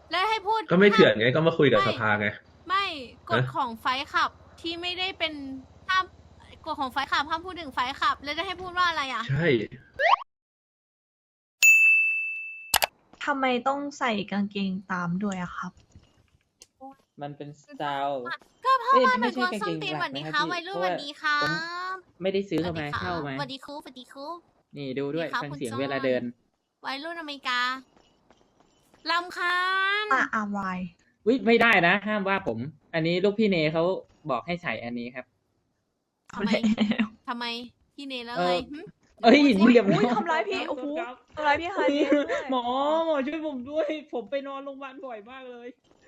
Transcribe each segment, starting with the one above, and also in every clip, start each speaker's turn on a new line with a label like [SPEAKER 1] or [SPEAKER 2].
[SPEAKER 1] แล้วให้พูด
[SPEAKER 2] ก็ไม่เถื่อน
[SPEAKER 1] ห้าม
[SPEAKER 2] ไงก็มาคุยกับ
[SPEAKER 1] ไม่
[SPEAKER 2] สภาไง
[SPEAKER 1] ไม่กฎ
[SPEAKER 2] นะ
[SPEAKER 1] ของไฟท์ขับที่ไม่ได้เป็นห้ามกฎของไฟท์ขับห้ามพูดถึงไฟท์ขับ แล้วจะให้พูดว่าอะไรอ่ะ
[SPEAKER 2] ใช่
[SPEAKER 3] ทำไมต้องใส่กางเกงตามด้วยอะครับ
[SPEAKER 4] มันเป็นสไตล์
[SPEAKER 1] ก็เพราะว่ามัน
[SPEAKER 4] ไม่ใช่
[SPEAKER 1] กวน
[SPEAKER 4] กาง
[SPEAKER 1] ส้
[SPEAKER 4] เก
[SPEAKER 1] น
[SPEAKER 4] ง
[SPEAKER 1] ตีน
[SPEAKER 4] ห
[SPEAKER 1] ส
[SPEAKER 4] ลั
[SPEAKER 1] วั
[SPEAKER 4] ก
[SPEAKER 1] สดี
[SPEAKER 4] นะค
[SPEAKER 1] ค
[SPEAKER 4] รั
[SPEAKER 1] รั
[SPEAKER 4] บบ พี่
[SPEAKER 1] วัยรุ่
[SPEAKER 4] เพ
[SPEAKER 1] น
[SPEAKER 4] ราะ
[SPEAKER 1] ส
[SPEAKER 4] ว่า
[SPEAKER 1] วัสดีครั
[SPEAKER 4] ผม
[SPEAKER 1] บ
[SPEAKER 4] ไม่ได้ซื้อ
[SPEAKER 1] สวั
[SPEAKER 4] เข้า
[SPEAKER 1] สดี
[SPEAKER 4] มา
[SPEAKER 1] ครั
[SPEAKER 4] เข้า
[SPEAKER 1] บ
[SPEAKER 4] มา
[SPEAKER 1] สวัสดีครูสวัสดีครู
[SPEAKER 4] นี่ดูด้วย
[SPEAKER 1] นี่ครับ
[SPEAKER 4] ฟัง
[SPEAKER 1] คุณ
[SPEAKER 4] เสียง
[SPEAKER 1] จอน
[SPEAKER 4] เวลาเดิน
[SPEAKER 1] วัยรุ่นอเมริกาลำคาญ
[SPEAKER 3] อะไร
[SPEAKER 4] วิไม่ได้นะ ห้ามว่าผม อันนี้ลูกพี่เนเขาบอกให้ใส่อันนี้ครับ
[SPEAKER 1] ทำไม
[SPEAKER 3] แล้ว
[SPEAKER 1] ทำไมพี่เนแล้ว
[SPEAKER 4] เอ
[SPEAKER 1] ไง
[SPEAKER 4] อ
[SPEAKER 1] หึ
[SPEAKER 4] เอ้ย
[SPEAKER 1] พูดสิ
[SPEAKER 4] เรียบร้
[SPEAKER 3] อุ้
[SPEAKER 4] อย ย
[SPEAKER 3] ทำร้ายพี่ โอ้โหทำร้ายพี่ฮา
[SPEAKER 4] เฮ้ย
[SPEAKER 3] เดียด้วย
[SPEAKER 4] หมอช่วยผมด้วย ผมไปนอนโรงพยาบาลบ่อยมากเลย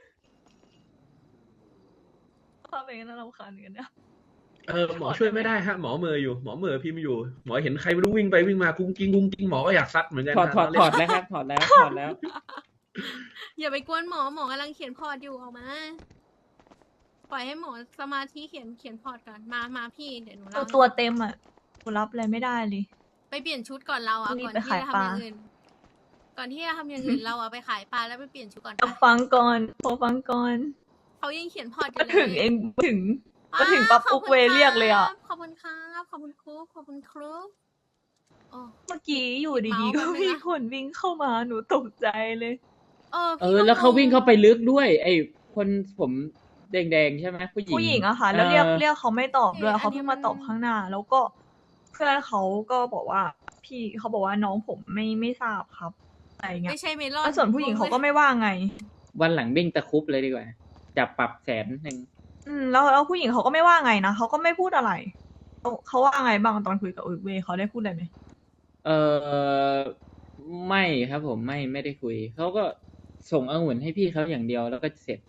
[SPEAKER 3] ภาพเป็นกันน่ารำคาญเหมือนกันเนี่ย
[SPEAKER 2] หมอช่วยไม่ได้ฮะหมอเหมออยู่หมอเหมอพิมพ์อยู่หมอเห็นใครไม่รู้วิ่งไปวิ่งมากุ้งกิ้งกุ้งกิ้งหมอก็อยากซัดเหมือนกัน
[SPEAKER 4] ถอด
[SPEAKER 2] นะ
[SPEAKER 4] ถอด
[SPEAKER 2] เรา
[SPEAKER 4] ถ
[SPEAKER 2] เล่น
[SPEAKER 4] อดแล้วครับ ถอดแล้ว ถอดแล้ว
[SPEAKER 1] อย่าไปกวนหมอ หมอกำลังเขียนพอร์ตอยู่ออกมา ปล่อยให้หมอสมาธิเขียนพอร์ตก่อน มาพี่เดี๋ยวหนู
[SPEAKER 3] ตัว
[SPEAKER 1] เล่า
[SPEAKER 3] ตัวเต็มอะกูรับอะไรไม่ได้เลย
[SPEAKER 1] ไปเปลี่ยนชุดก่อนเราอ่ะ
[SPEAKER 3] รีบ
[SPEAKER 1] ก่อน
[SPEAKER 3] ไป
[SPEAKER 1] ที่
[SPEAKER 3] ขาย
[SPEAKER 1] จะ
[SPEAKER 3] ป
[SPEAKER 1] ทำ
[SPEAKER 3] ลา
[SPEAKER 1] อย่างอื่น ก่อนที่จะทำอย่างอื่นเราอ่ะไปขายปลาแล้วไปเปลี่ยนชุดก่อน
[SPEAKER 3] เอา
[SPEAKER 1] ไป
[SPEAKER 3] ฟังก่อนพอฟังก่อน
[SPEAKER 1] เขายังเขียนพอร์ตอ
[SPEAKER 3] ก็
[SPEAKER 1] ยู่เลย
[SPEAKER 3] ถึงเองถึง
[SPEAKER 1] อ้า
[SPEAKER 3] ก็ถึงปั๊บ
[SPEAKER 1] ขอบ
[SPEAKER 3] ปุ๊ก
[SPEAKER 1] คุณ
[SPEAKER 3] เวย์เรียกเลยอะ
[SPEAKER 1] ขอบคุณครับขอบคุณครูขอบคุณครูโอ้
[SPEAKER 3] เมื่อกี้อยู่ดีๆ
[SPEAKER 1] เมาส์
[SPEAKER 3] ก็
[SPEAKER 1] แป๊บนึงนะ
[SPEAKER 3] มีคนวิ่งเข้ามาหนูตกใจเลย
[SPEAKER 1] พี่ก็
[SPEAKER 4] แล้วเขา
[SPEAKER 1] งง
[SPEAKER 4] วิ่งเข้าไปลึกด้วย ไอ้คนผมแดงๆใช่ไหมผู้หญิง
[SPEAKER 3] ผู้หญิงอะค่ะ แล้วเรียก
[SPEAKER 4] ออ
[SPEAKER 3] เรียกเขาไม่ตอบด้วย
[SPEAKER 1] อันนี้
[SPEAKER 3] เขาเพิ่งมาตอบข้างหน้า แล้วก็เพื่อนเขาก็บอกว่า พี่เขาบอกว่าน้องผมไม่ทราบครับอะไรเงี้ย
[SPEAKER 1] ไม่ใช่เมลอน
[SPEAKER 3] แล้วส่วนผู้หญิงเขาก็ไม่ว่าไง
[SPEAKER 4] วันหลังวิ่งตะครุบเลยดีกว่า จับปรับ100,000
[SPEAKER 3] แล้วผู้หญิงเขาก็ไม่ว่าไงนะเขาก็ไม่พูดอะไรเขาว่าไงบ้างตอนคุยกับเวย์เขาได้พูดอะไรไหม
[SPEAKER 4] เออไม่ครับผมไม่ได้คุย เขาก็ส่งองุ่นให้พี่เขาอย่างเดียวแล้วก็เสร็จ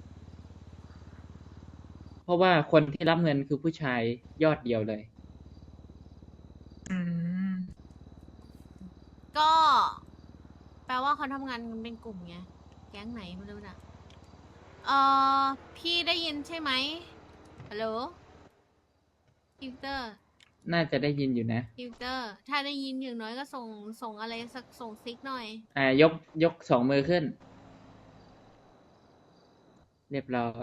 [SPEAKER 4] เพราะว่าคนที่รับเงินคือผู้ชายยอดเดียวเลย
[SPEAKER 3] อืม
[SPEAKER 1] ก็ แปลว่าเขาทำงานกันเป็นกลุ่มไงแก๊งไหนไม่รู้นะพี่ได้ยินใช่ไหมฮัลโหลฟิวเตอร์
[SPEAKER 4] น่าจะได้ยินอยู่นะ
[SPEAKER 1] ฟิวเตอร์ ถ้าได้ยินอย่างน้อยก็ส่งอะไรสักส่งซิกหน่อย
[SPEAKER 4] ยก2 มือขึ้น เรียบร้อย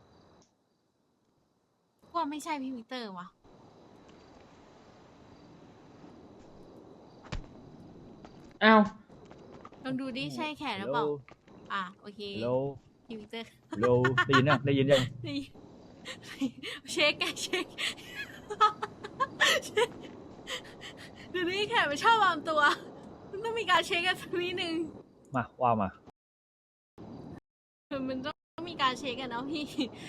[SPEAKER 1] ว่าไม่ใช่พี่วิกเตอร์วะ
[SPEAKER 4] อ้าว
[SPEAKER 1] ลองดูดิใช่แขนหรือเปล่า โอเค
[SPEAKER 5] ฮัลโหล
[SPEAKER 1] พี่วิกเตอร์
[SPEAKER 5] ฮัลโหลได้ยินยังได้ยินยัง
[SPEAKER 1] นี่เช็คไงเช็คเดี๋ยวนี้แขกมันชอบวางตัวมันต้องมีการเช็คกันสักนิดนึง
[SPEAKER 5] มาว่ามา
[SPEAKER 1] มันต้องมีการเช็คกันเนาะพี่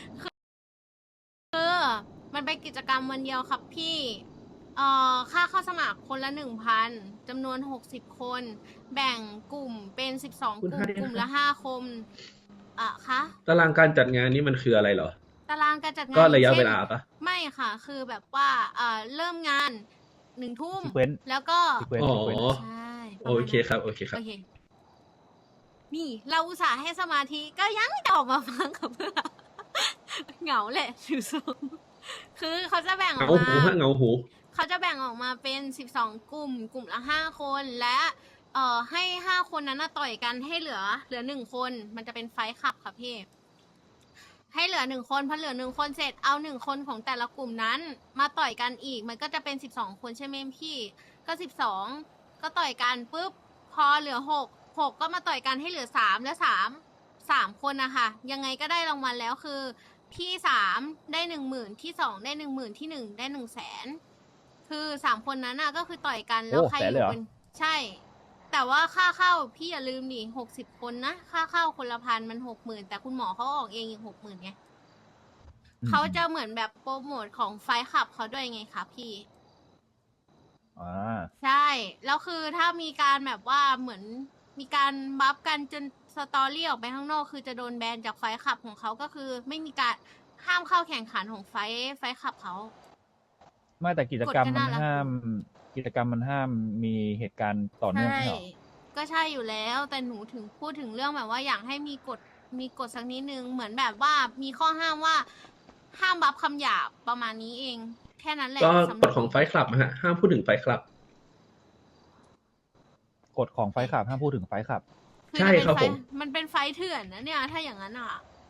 [SPEAKER 1] มันเป็นกิจกรรมวันเดียวครับพี่ค่าเข้าสมัครคนละ 1,000 จำนวน 60 คน แบ่งกลุ่มเป็น 12 กลุ่ม กลุ่มละ 5 คนคะ
[SPEAKER 2] ตารางการจัดงานนี้มันคืออะไรเหรอ
[SPEAKER 1] ตารางการจัดงาน
[SPEAKER 2] ก็ระยะ
[SPEAKER 1] ช่น
[SPEAKER 2] เวลาปะ
[SPEAKER 1] ไม่ค่ะ คือแบบว่าเริ่มงาน 1 ทุ่ม
[SPEAKER 5] Sequence
[SPEAKER 1] แล้วก็
[SPEAKER 5] Sequence
[SPEAKER 2] อ๋อ
[SPEAKER 5] Sequence
[SPEAKER 1] ใช่ป
[SPEAKER 2] โอ
[SPEAKER 1] ระมาณ
[SPEAKER 2] เค
[SPEAKER 1] นั้น
[SPEAKER 2] ครับโอเคครับ
[SPEAKER 1] โอเค นี่เราอุตส่าห์ให้สมาธิก็ยังไม่ออกมาฟังกับเพื่อนเหงาแหละดูทรงคือเขาจะแบ่งออก
[SPEAKER 2] เงาหู
[SPEAKER 1] มา
[SPEAKER 2] ฮะเงาหู
[SPEAKER 1] เขาจะแบ่งออกมาเป็น 12 กลุ่ม กลุ่มละ 5 คน และให้ 5 คนนั้นน่ะต่อยกันให้เหลือ 1 คน มันจะเป็นไฟท์คลับค่ะพี่ ให้เหลือ 1 คนพอเหลือ 1 คนเสร็จ เอา 1 คนของแต่ละกลุ่มนั้น มาต่อยกันอีก มันก็จะเป็น 12 คนใช่ไหมพี่ ก็ 12 ก็ต่อยกันปุ๊บ พอเหลือ 6 ก็มาต่อยกันให้เหลือ 3 และ 3 คนนะคะยังไงก็ได้รางวัลแล้วคือ ที่ 3 ได้ 10,000 ที่ 2 ได้ 10,000 ที่ 1 ได้ 100,000 คือ 3 คนนั้นน่ะก็คือต่อยกันแล้ว
[SPEAKER 5] โอ้
[SPEAKER 1] ใคร
[SPEAKER 5] แส
[SPEAKER 1] อน
[SPEAKER 5] เลยเหร
[SPEAKER 1] ยู่
[SPEAKER 5] อ
[SPEAKER 1] เป็นใช่ แต่ว่าค่าเข้าพี่อย่าลืมดิ60 คนนะ ค่าเข้าคนละ1,000มัน 60,000 แต่คุณหมอเขาออกเองอีก 60,000ไงเขาจะเหมือนแบบโปรโมทของไฟท์คลับเขาด้วยไงคะพี่
[SPEAKER 5] อ่า
[SPEAKER 1] ใช่ แล้วคือถ้ามีการแบบว่าเหมือนมีการบัฟกันจนสตอรี่ออกไปข้างนอก คือจะโดนแบนจากไฟท์คลับของเขาก็คือไม่มีการห้ามเข้าแข่งขันของไฟท์คลับเขา
[SPEAKER 5] ไม่แต่กิจกรรม
[SPEAKER 1] กฎก็
[SPEAKER 5] มัน
[SPEAKER 1] น่ารัก
[SPEAKER 5] ห้าม กิจกรรมมันห้ามมีเหตุการณ์ต่อเนื่อง
[SPEAKER 1] ใช่
[SPEAKER 5] ไม่ใช่เหรอ
[SPEAKER 1] ก็ใช่อยู่แล้ว แต่หนูถึงพูดถึงเรื่องแบบว่าอยากให้มีกฎสักนิดนึง เหมือนแบบว่ามีข้อห้ามว่าห้ามบัฟคำหยาบประมาณนี้เอง แค่นั้นแหละ
[SPEAKER 2] ก็
[SPEAKER 1] สำห
[SPEAKER 2] ก
[SPEAKER 1] รับ
[SPEAKER 2] ฎของไฟท์คลับฮะห้ามพูดถึงไฟท์คลับ
[SPEAKER 5] กฎของไฟขับห้ามพูดถึงไฟขับ
[SPEAKER 1] คคือ
[SPEAKER 2] ใช่
[SPEAKER 1] จะเป็น
[SPEAKER 2] ครับ
[SPEAKER 1] ไฟ
[SPEAKER 2] ผม
[SPEAKER 1] มันเป็นไฟเถื่อนนะเนี่ย ถ้าอย่างนั้นอ่ะ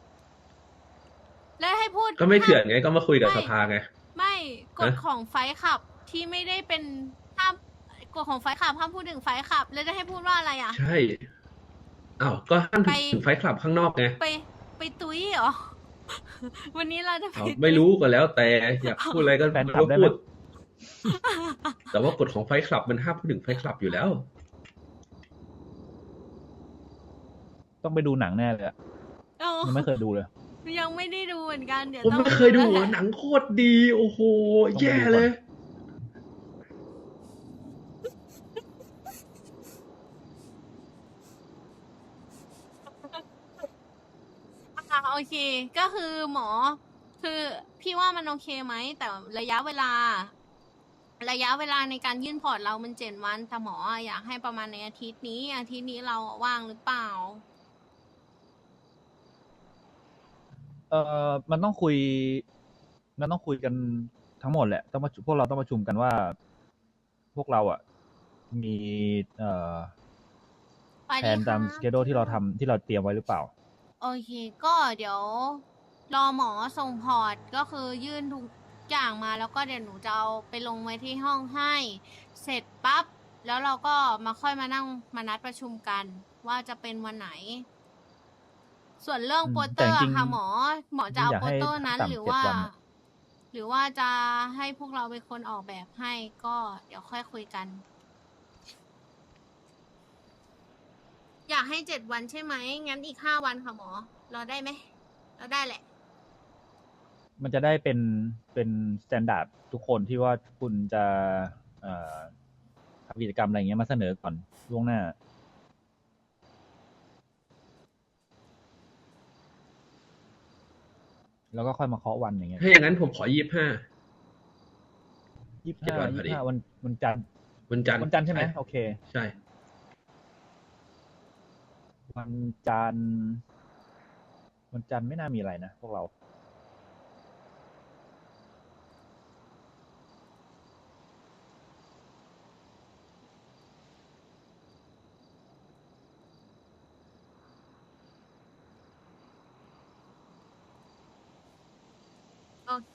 [SPEAKER 1] แล้วให้พูด
[SPEAKER 2] ก็ไม่เถื่อน
[SPEAKER 1] ห้าม
[SPEAKER 2] ไงก็มาคุยกับ
[SPEAKER 1] ไม่
[SPEAKER 2] สภาไง
[SPEAKER 1] ไม่กฎ
[SPEAKER 2] ฮะ
[SPEAKER 1] ของไฟขับที่ไม่ได้เป็นห้ามกฎของไฟขับห้ามพูดถึงไฟขับ แล้วจะให้พูดว่าอะไรอ่ะ
[SPEAKER 2] ใช่อ้าวก็ห้าม
[SPEAKER 1] ไป
[SPEAKER 2] ถึงไฟท์คลับข้างนอกไง
[SPEAKER 1] ไปตุ้ยเหรอ วันนี้เราจะไป
[SPEAKER 2] อ้าว
[SPEAKER 1] ตุ้ย
[SPEAKER 2] ไม่รู้ก็แล้วแต่อยากพูดอะไรก็
[SPEAKER 5] แฟนคลับได้ไหม
[SPEAKER 2] พูด แต่ว่ากฎของไฟท์คลับมันห้ามพูดถึงไฟท์คลับอยู่แล้ว
[SPEAKER 3] ต้องไปดูหนังแน่เลยอะ
[SPEAKER 1] เออ
[SPEAKER 3] ยังไม่เคยดูเลย
[SPEAKER 1] ยังไม่ได้ดูเหมือนกัน เดี๋ยว
[SPEAKER 2] ผม
[SPEAKER 1] ต้อง
[SPEAKER 2] ไม่เคยดู
[SPEAKER 1] แล้วแหละ
[SPEAKER 2] หนังโคตรดี โอ้โห
[SPEAKER 3] ต้องไปดู
[SPEAKER 2] แย่
[SPEAKER 3] ก่อน
[SPEAKER 2] เลย
[SPEAKER 1] โอเค ก็คือหมอ คือพี่ว่ามันโอเคไหม แต่ระยะเวลาในการยื่นพอร์ตเรามัน7 วันแต่หมออยากให้ประมาณในอาทิตย์นี้เราว่างหรือเปล่า
[SPEAKER 3] มันต้องคุยกันทั้งหมดแหละพวกเราต้องประชุมกันว่า พวกเราอ่ะ มี
[SPEAKER 1] สวัส
[SPEAKER 3] แผ
[SPEAKER 1] ดี
[SPEAKER 3] นตาม
[SPEAKER 1] ค่ะ
[SPEAKER 3] สเกดูที่เราเตรียมไว้หรือเปล่า
[SPEAKER 1] โอเค ก็เดี๋ยวรอหมอส่งพอร์ตก็คือยื่นทุกอย่างมาแล้วก็เดี๋ยวหนูจะเอาไปลงไว้ที่ห้องให้ เสร็จปั๊บ แล้วเราก็มาค่อยมานั่งมานัดประชุมกัน ว่าจะเป็นวันไหน ส่วนเรื่อง
[SPEAKER 3] อืม
[SPEAKER 1] โปสเต
[SPEAKER 3] แต่
[SPEAKER 1] อร์
[SPEAKER 3] จริง
[SPEAKER 1] อะค่ะหมอจะเอา
[SPEAKER 3] อยาก
[SPEAKER 1] โป
[SPEAKER 3] ให้
[SPEAKER 1] สเตอร์นั้น
[SPEAKER 3] ต่ำ
[SPEAKER 1] หรือว่า
[SPEAKER 3] 7 วันอะ
[SPEAKER 1] หรือว่าจะให้พวกเราเป็นคนออกแบบให้ก็เดี๋ยวค่อยคุยกัน อยากให้7 วันใช่ไหม งั้นอีก5 วันค่ะหมอ รอได้ไหมรอได้แหละ
[SPEAKER 3] มันจะได้เป็นสแตนดาร์ดทุกคนที่ว่าคุณจะทำกิจกรรมอะไรอย่างเงี้ยมาเสนอก่อนล่วงหน้า แล้วก็ค่อยมาเคาะวันอย่างเงี้ย
[SPEAKER 2] ถ้าอย่างนั้นผมขอ25 7 วันพอดี
[SPEAKER 3] 25วันจันทร์
[SPEAKER 2] วันจันทร์
[SPEAKER 3] วันจันทร์ใช่ไหมโอเค
[SPEAKER 2] ใช่
[SPEAKER 3] วันจันทร์ไม่น่ามีอะไรนะพวกเรา
[SPEAKER 1] โอเค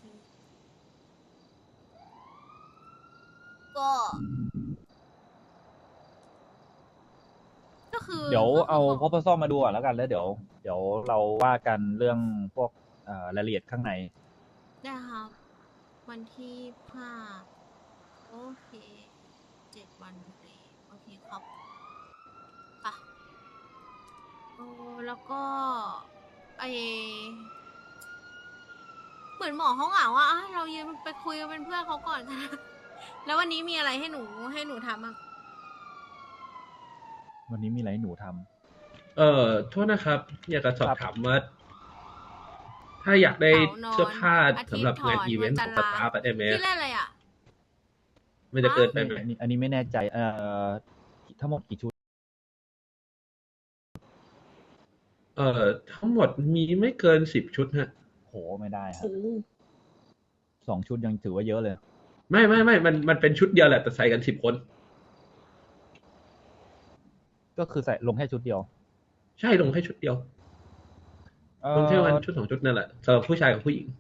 [SPEAKER 1] ก็คือ
[SPEAKER 3] เดี๋ยวเอา
[SPEAKER 1] ก็
[SPEAKER 3] พอพซอมาดูก่อนแล้วกันแล้วเดี๋ยวเราว่ากันเรื่องพวกรายละเอียดข้างใน
[SPEAKER 1] ได้ครับ วันที่5โอเค7 วันพอดีโอเคครับอ่ะแล้วก็เหมือนหมอเขาเหงาอ่ะเรายืนไปคุยกันเป็นเพื่อนเขาก่อนกัน แล้ววันนี้มีอะไรให้หนูทำอ่ะ
[SPEAKER 3] วันนี้มีอะไรให้หนูทำ
[SPEAKER 2] โทษนะครับ อยากจะสอบ
[SPEAKER 3] ครับ
[SPEAKER 2] ถามว่า ถ้าอยากได้
[SPEAKER 1] เสาร์นอน
[SPEAKER 2] เสื้อผ้า
[SPEAKER 1] อาทิตย์
[SPEAKER 2] สำหรับงาน
[SPEAKER 1] ถอน
[SPEAKER 2] อีเวนต์
[SPEAKER 1] วั
[SPEAKER 2] ข
[SPEAKER 1] น
[SPEAKER 2] อง
[SPEAKER 1] จั
[SPEAKER 2] ส
[SPEAKER 1] นทร์
[SPEAKER 2] ตาฟได้ไหม
[SPEAKER 1] ที่เล่นอะไรอ่ะ
[SPEAKER 2] มันจะเกินไปไหม
[SPEAKER 3] อันนี้ไม่แน่ใจทั้งหมดกี่ชุด
[SPEAKER 2] ทั้งหมดมีไม่เกิน10 ชุดฮะ
[SPEAKER 3] โหไม่ได้ครับ2 ชุดยังถือว่าเยอะเลย
[SPEAKER 2] ไม่มันเป็นชุดเดียวแหละแต่ใส่กัน10 คน
[SPEAKER 3] ก็คือใส่ลงแค่ชุดเดียว
[SPEAKER 2] ใช่ลงแค่ชุดเดียว ลงแค่วันชุด2 ชุดนั่นแหละสำหรับผู้ชายกับผู้หญิง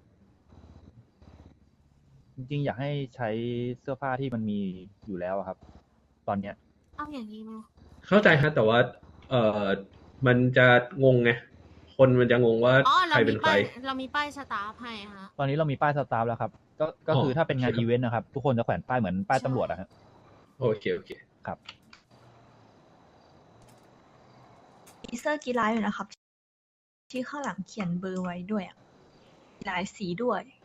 [SPEAKER 3] จริงๆอยากให้ใช้เสื้อผ้าที่มันมีอยู่แล้วอะครับ ตอนเนี้ย
[SPEAKER 1] เอาอย่างนี้ไหม
[SPEAKER 2] เข้าใจฮะแต่ว่า มันจะงงไงคนมันจะงงว่า
[SPEAKER 1] อ๋อ
[SPEAKER 2] ใครเป็นใคร
[SPEAKER 1] เรามีป้ายสตาฟให้ฮะ
[SPEAKER 3] ตอนนี้เรามีป้ายสตาฟแล้วครับ ก็คือถ้าเป็นงาน
[SPEAKER 2] ครับ
[SPEAKER 3] อีเวนต์นะครับ ทุกคนจะแขวนป้ายเหมือนป้ายตำรวจอะฮะ
[SPEAKER 2] โอเค
[SPEAKER 3] ครับ
[SPEAKER 6] มีเสื้อกีฬาอยู่นะครับ ที่ข้างหลังเขียนเบอร์ไว้ด้วยอะหลายสีด้วย